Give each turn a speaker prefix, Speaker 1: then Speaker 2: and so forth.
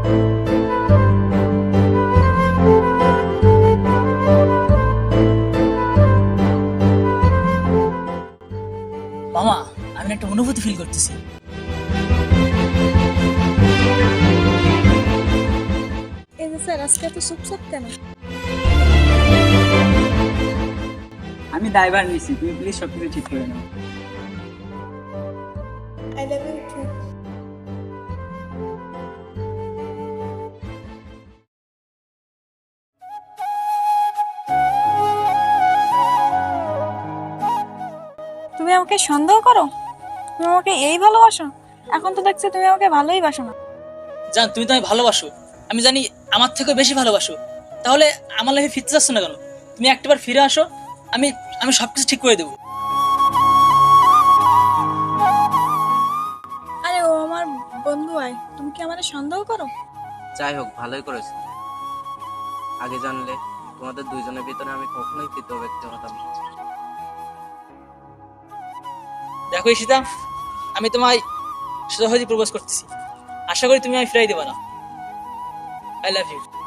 Speaker 1: মামা, আমি একটা অনুভূতি ফিল করতেছি।
Speaker 2: এই যে স্যার, আজকে এত চুপচাপ কেন?
Speaker 3: আমি দায়ভার নিছি, তুমি প্লিজ সবকিছু ঠিক করে নাও।
Speaker 2: I love you too. তুমি আমাকে সন্দেহ করো? তুমি আমাকে এই ভালোবাসো? এখন তো দেখছি তুমি আমাকে ভালোই বাসো না।
Speaker 1: জান, তুমি তো আমি ভালোবাসো, আমি জানি আমার থেকেও বেশি ভালোবাসো। তাহলে আমার লাইফে ফিরতে চাচ্ছ না কেন? তুমি একটাবার ফিরে আসো, আমি আমি সবকিছু ঠিক করে দেবো।
Speaker 2: আরে ও আমার বন্ধু, আয়। তুমি কি আমাকে সন্দেহ করো?
Speaker 4: যাই হোক, ভালোই করেছো। আগে জানলে তোমাদের দুইজনের ভিতরে আমি কখনোই তৃতীয় ব্যক্তি হতাম না।
Speaker 1: দেখো ঈশিতা, আমি তোমায় সহজে প্রপোজ করতেছি। আশা করি তুমি আমি ফিরাই দেবা না। I love you.